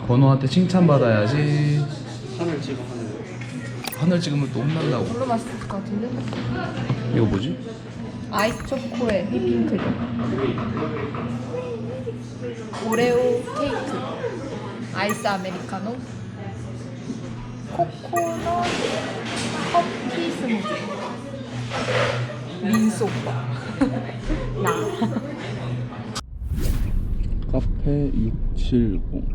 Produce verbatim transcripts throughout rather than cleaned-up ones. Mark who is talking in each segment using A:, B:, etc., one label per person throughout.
A: 건호한테 칭찬받아야지.
B: 하늘 찍어 하늘.
A: 하늘 찍으면 또 혼난다고.
C: 별로 맛있을 것 같은데?
A: 이거 뭐지?
C: 아이스 초코에 휘핑크림, 오레오 케이크, 아이스 아메리카노, 코코넛 커피 스무디, 민소 오빠 나.
A: 카페 육칠공.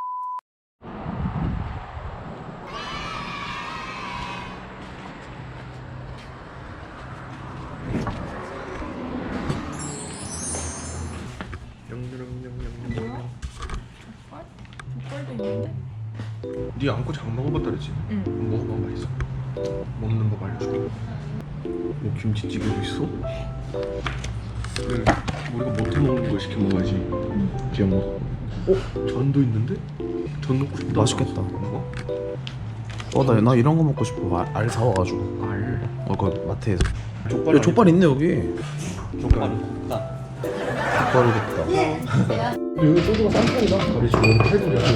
C: 족발도 있는데?
B: 네 안고 장 먹어봤다 그랬지?
C: 응.
B: 먹어봐 맛있어. 먹는 법 알려줄게. 뭐 김치찌개도 있어? 그래, 우리가 못해 먹는 걸 시켜 먹어야지. 응. 지금 뭐? 어? 전도 있는데? 전 먹고 싶다.
A: 맛있겠다.
B: 먹어?
A: 어, 나, 나 이런 거 먹고 싶어. 알, 알 사와가지고.
B: 알.
A: 어, 그 마트에서.
B: 족발.
A: 야, 족발 있네 여기.
B: 족발.
A: 족발이겠다.
B: 근데 여기 소주가 싼 편이다. 다리 지금 여기 팔 불이야.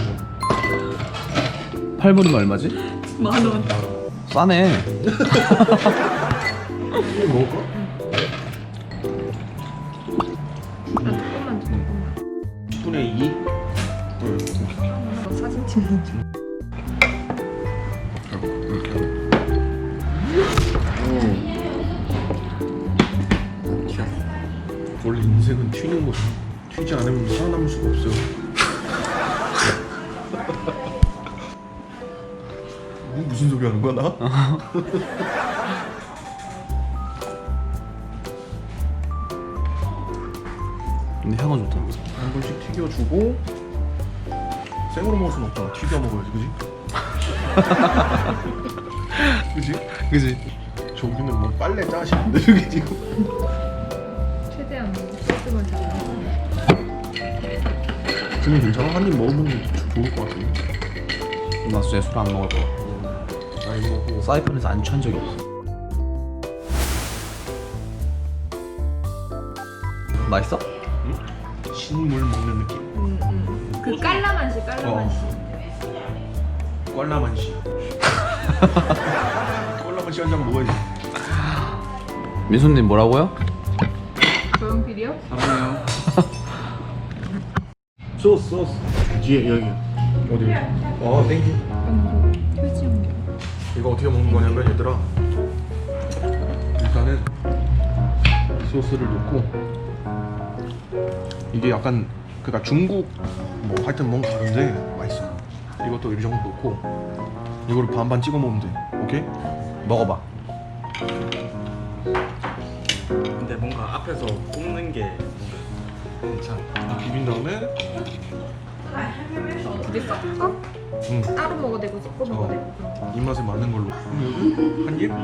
A: 팔 불이면 얼마지?
C: 만 원.
A: 싸네.
B: 이거 먹을까?
C: 아, 조금만 줘, 조금만.
B: 십분의 이? 응.
C: 너 사진 찍는 중.
B: 원래 인생은 튀는 거죠. 튀지 않으면 살아남을 수가 없어요. 뭐 무슨 소리 하는 거야 나?
A: 근데 향은 좋다.
B: 한 번씩 튀겨주고 생으로 먹을 순 없잖아. 튀겨 먹어야지, 그지? 그지?
A: 그지?
B: 저기는 뭐 빨래 짜시는데 저기 지금.
C: 최대한 소스만 잘.
B: 근데 괜찮아? 한 입 먹으면 좋을 것 같은데.
A: 나 진짜 술 안 먹을 거야.
B: 아니 뭐
A: 사이판에서 안 취한 적이 없어. 맛있어?
B: 신물 먹는 느낌.
C: 음, 음. 그 깔라만시, 깔라만시.
B: 꼴라만시. 꼴라만시 한 장 먹어야지.
A: 민수님 뭐라고요?
C: 조용필이요?
A: 사랑해요.
B: 소스 소스. 뒤에 여기. 어디? 어 땡큐.
C: 표지용.
B: 이거 어떻게 먹는 거냐면 얘들아, 일단은 소스를 넣고, 이게 약간 그니까 중국 뭐 하여튼 뭔가 다른데 맛있어. 이것도 이 정도 넣고 이거를 반반 찍어 먹으면 돼. 오케이?
A: 먹어봐.
D: 근데 뭔가 앞에서 굽는 게
B: 괜찮아. 비빈 다음에
C: 두개 섞어?
B: 응.
C: 따로 먹어도 되고 섞어 먹어도
B: 어.
C: 되고 그런 거.
B: 입맛에 맞는 걸로. 한 입?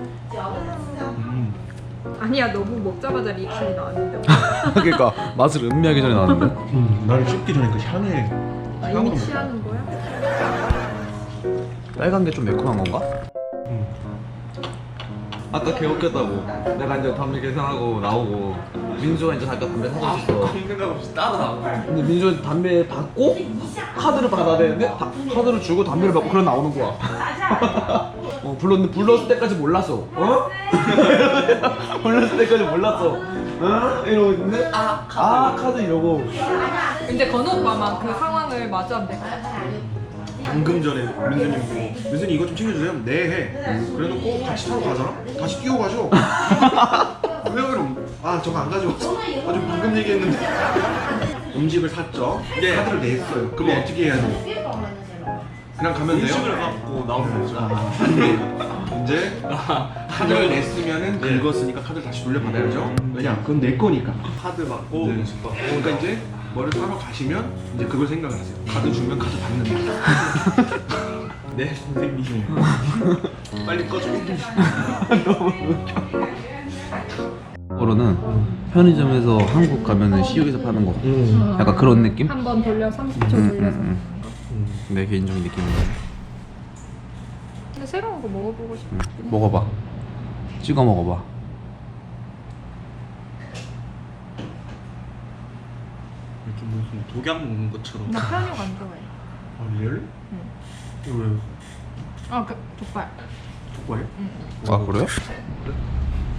B: 음.
C: 아니야, 너무 먹자마자 리액션이 나왔는데.
A: 그러니까 맛을 음미하기 전에 나왔는데.
B: 음. 나를 씹기 전에 그 향에
C: 아,
B: 향으로
C: 이미 취하는 거야?
A: 빨간 게 좀 매콤한 건가?
B: 음.
A: 아까 개 웃겼다고. 내가 이제 담배 계산하고 나오고 민수가 이제 잠깐 담배 사고 있었어.
D: 아무 생각 없이 따라 나오고.
A: 근데 민수는 담배 받고 카드를 받아야 되는데 다, 카드를 주고 담배를 받고 그래 나오는 거야. 어, 불렀는데 불렀을 때까지 몰랐어. 어? 불렀을 때까지 몰랐어. 어? 이러고 있는데 아 카드, 아, 카드 이러고.
C: 이제 건우 오빠만 그 상황을 마주하면 될 것 같아.
B: 방금 전에 민수님 보고 민수님 이거 좀 챙겨주세요. 네 해. 그래놓고 같이 타러 가잖아? 다시 뛰어 가죠. 왜 그럼? 아 저거 안 가져왔어. 아주 방금 얘기했는데. 음식을 샀죠.
D: 네.
B: 카드를 냈어요. 그럼
D: 네.
B: 어떻게 해야 돼? 그냥 가면 돼요?
D: 음식을 갖고 나오면 되죠.
B: 안 돼. 이제 카드를 냈으면은
D: 네.
B: 긁었으니까 카드를 다시 돌려받아야죠. 왜냐? 그건 내 거니까.
D: 카드 받고
B: 네.
D: 음식 받고.
B: 그러니까 이제 뭐를 사러 가시면 이제 그걸 생각을 하세요. 카드 주면 카드 받는다.
D: 네 선생님. 빨리 꺼줘.
A: 거로는 편의점에서 한국 가면은 시육에서 파는 거.
B: 음.
A: 약간 그런 느낌?
C: 한 번 돌려 삼십 초
A: 음,
C: 돌려서.
A: 음, 음. 내 개인적인 느낌인데.
C: 근데 새로운 거 먹어보고 싶어.
A: 응. 먹어봐. 찍어 먹어봐.
D: 이렇게 무슨 독약 먹는 것처럼.
C: 나 편육 안 좋아해.
B: 아 리얼? 이거 왜
C: 아, 그 족발.
B: 족발?
A: 아 그래?